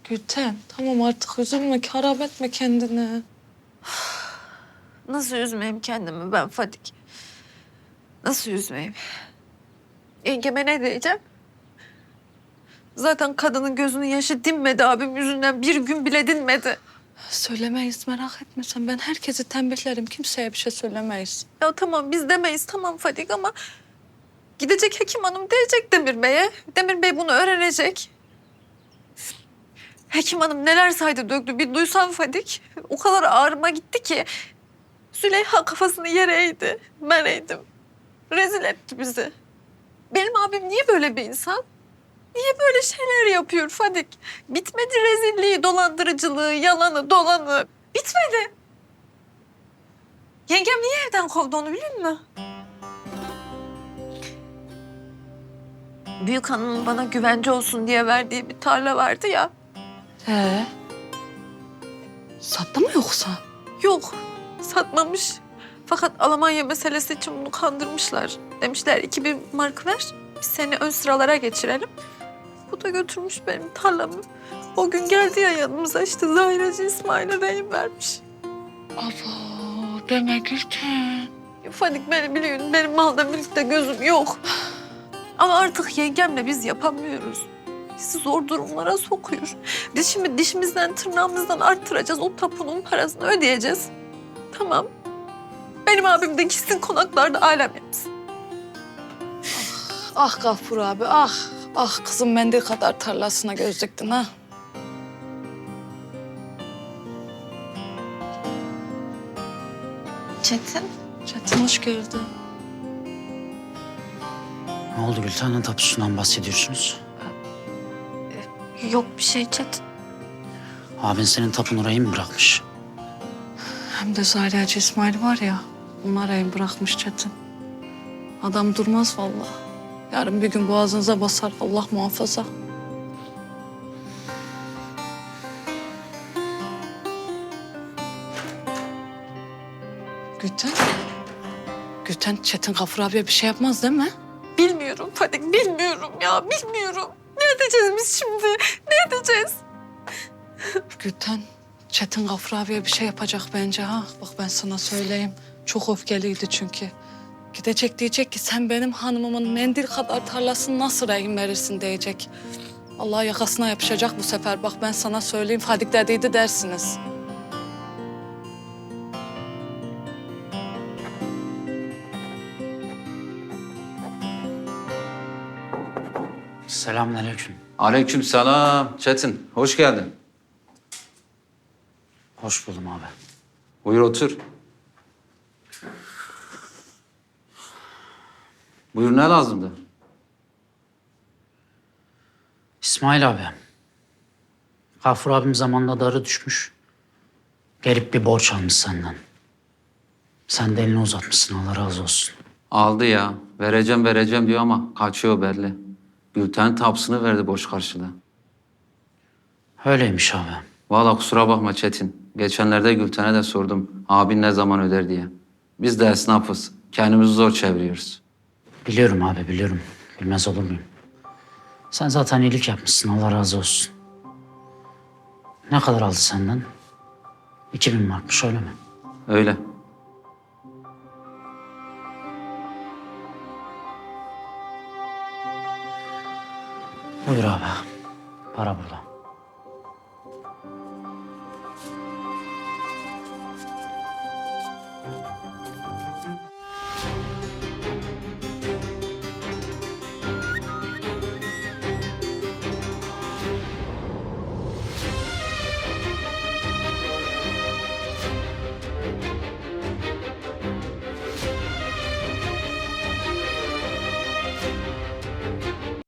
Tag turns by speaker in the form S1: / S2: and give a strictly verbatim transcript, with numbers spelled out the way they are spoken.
S1: Gülten tamam artık üzülme, harap etme kendini.
S2: Nasıl üzmeyeyim kendimi ben Fadik? Nasıl üzmeyeyim? Yengeme ne diyeceğim? Zaten kadının gözünün yaşı dinmedi abim yüzünden. Bir gün bile dinmedi.
S1: Söylemeyiz, merak etme sen. Ben herkesi tembihlerim. Kimseye bir şey söylemeyiz.
S2: Ya tamam biz demeyiz tamam Fadik ama... Gidecek Hekim Hanım diyecek Demir Bey'e. Demir Bey bunu öğrenecek. Hekim Hanım neler saydı döktü bir duysan Fadik. O kadar ağrıma gitti ki. Züleyha kafasını yere eğdi. Ben eğdim. Rezil etti bizi. Benim abim niye böyle bir insan? Niye böyle şeyler yapıyor Fadik? Bitmedi rezilliği, dolandırıcılığı, yalanı, dolanı. Bitmedi. Yengem niye evden kovdu onu biliyor musun? Büyük hanımın bana güvence olsun diye verdiği bir tarla vardı ya.
S1: Ee? Sattı mı yoksa?
S2: Yok, satmamış. Fakat Almanya meselesi için bunu kandırmışlar. Demişler iki bin mark ver, biz seni ön sıralara geçirelim. Bu da götürmüş benim tarlamı. O gün geldi ya yanımıza işte Zahireci İsmail'e rehin vermiş.
S1: Abo deme Gülten.
S2: Fadik beni biliyorsun, benim malda mülkte gözüm yok. Ama artık yengemle biz yapamıyoruz. Bizi zor durumlara sokuyor. Biz şimdi dişimizden tırnağımızdan arttıracağız. O tapunun parasını ödeyeceğiz. Tamam. Benim abim de gitsin konaklarda alem yapsın.
S1: Ah Gafur abi ah. Ah kızım mendil kadar tarlasına göz diktin ha.
S2: Çetin.
S1: Çetin hoş geldin.
S3: Ne oldu Gülten'in tapusundan bahsediyorsunuz?
S2: Yok bir şey Çetin.
S3: Abin senin tapun orayı mı bırakmış?
S1: Hem de Zahireci İsmail var ya, onlar evin bırakmış Çetin. Adam durmaz vallahi. Yarın bir gün boğazınıza basar Allah muhafaza. Gülten. Gülten Çetin Gafur abiye bir şey yapmaz değil mi?
S2: Bilmiyorum Fadik, bilmiyorum ya, bilmiyorum. Ne edeceğiz biz şimdi? Ne edeceğiz?
S1: Gülten Çetin Gafur abiye bir şey yapacak bence ha. Bak ben sana söyleyeyim. Çok öfkeliydi çünkü. Gidecek diyecek ki sen benim hanımımın mendil kadar tarlasını nasıl rehin verirsin diyecek. Allah yakasına yapışacak bu sefer. Bak ben sana söyleyeyim. Fadik dediydi dersiniz.
S3: Selamünaleyküm.
S4: Aleykümselam Çetin. Hoş geldin.
S3: Hoş buldum abi.
S4: Buyur otur. Buyur ne lazımdı?
S3: İsmail abi. Gafur abim zamanında darı düşmüş. Gelip bir borç almış senden. Sen de elini uzatmışsın Allah razı olsun.
S4: Aldı ya. Vereceğim vereceğim diyor ama kaçıyor belli. Gülten tapsını verdi boş karşılığı.
S3: Öyleymiş abi.
S4: Vallahi kusura bakma Çetin. Geçenlerde Gülten'e de sordum. Abin ne zaman öder diye. Biz de esnafız. Kendimizi zor çeviriyoruz.
S3: Biliyorum abi biliyorum. Bilmez olur muyum? Sen zaten iyilik yapmışsın Allah razı olsun. Ne kadar aldı senden? İki bin markmış öyle mi?
S4: Öyle.
S3: Buyur abi. Para burada.